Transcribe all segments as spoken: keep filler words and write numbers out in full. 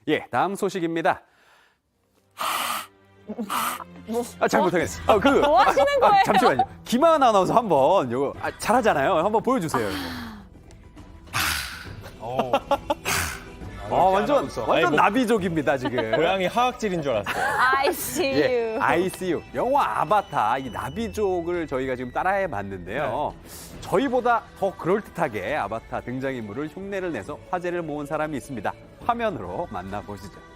예, 다음 소식입니다. 아, 잘못하겠어. 아, 그, 뭐 하시는 아, 거예요? 잠시만요. 김하은 아나운서 한번 이거 아, 잘하잖아요. 한번 보여주세요. 이거. 어. 아, 완전 아나운서. 완전 아니, 뭐- 나비족입니다 지금. 고양이 화학질인 줄 알았어요. I see 예, you. 아이씨유 영화 아바타 이 나비족을 저희가 지금 따라해 봤는데요. 저희보다 더 그럴듯하게 아바타 등장인물을 흉내를 내서 화제를 모은 사람이 있습니다. 화면으로 만나보시죠.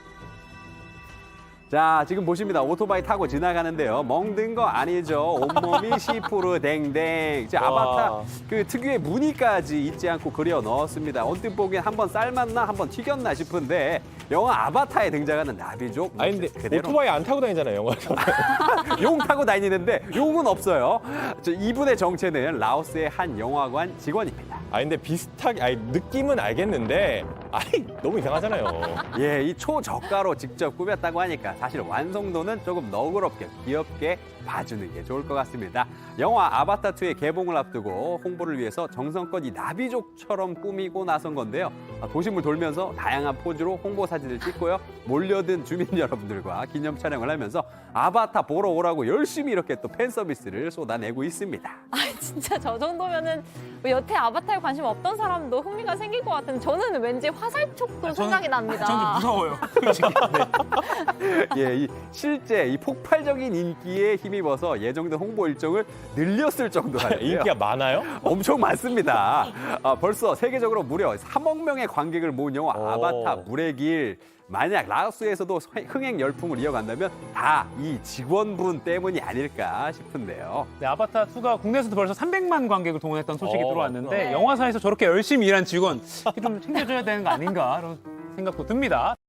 자, 지금 보십니다. 오토바이 타고 지나가는데요. 멍든 거 아니죠. 온몸이 시푸르 댕댕. 이제 아바타 와. 그 특유의 무늬까지 잊지 않고 그려 넣었습니다. 언뜻 보기엔 한번 삶았나 한번 튀겼나 싶은데 영화 아바타에 등장하는 나비족 아니 근데 그대로 오토바이 안 타고 다니잖아요, 영화에서. 용 타고 다니는데 용은 없어요. 저 이분의 정체는 라오스의 한 영화관 직원입니다. 아 근데 비슷하게, 아니 느낌은 알겠는데, 아이 너무 이상하잖아요. 예, 이 초저가로 직접 꾸몄다고 하니까 사실 완성도는 조금 너그럽게 귀엽게 봐주는 게 좋을 것 같습니다. 영화 아바타투의 개봉을 앞두고 홍보를 위해서 정성껏 이 나비족처럼 꾸미고 나선 건데요. 아, 도심을 돌면서 다양한 포즈로 홍보 사진을 찍고요. 몰려든 주민 여러분들과 기념 촬영을 하면서 아바타 보러 오라고 열심히 이렇게 또 팬 서비스를 쏟아내고 있습니다. 아 진짜 저 정도면은 뭐 여태 아바타에 관심 없던 사람도 흥미가 생길 것 같은데 저는 왠지 화살촉도 생각이 납니다. 저는 좀 무서워요. 솔직히. 예, 이 실제 이 폭발적인 인기에 힘입어서 예정된 홍보 일정을 늘렸을 정도라는데요. 인기가 많아요? 엄청 많습니다. 아, 벌써 세계적으로 무려 삼억 명의 관객을 모은 영화 오. 아바타 물의 길. 만약 라오스에서도 흥행 열풍을 이어간다면 다 이 직원분 때문이 아닐까 싶은데요. 네, 아바타 투가 국내에서도 벌써 삼백만 관객을 동원했던 소식이 어, 들어왔는데 네. 영화사에서 저렇게 열심히 일한 직원 좀 챙겨줘야 되는 거 아닌가 그런 생각도 듭니다.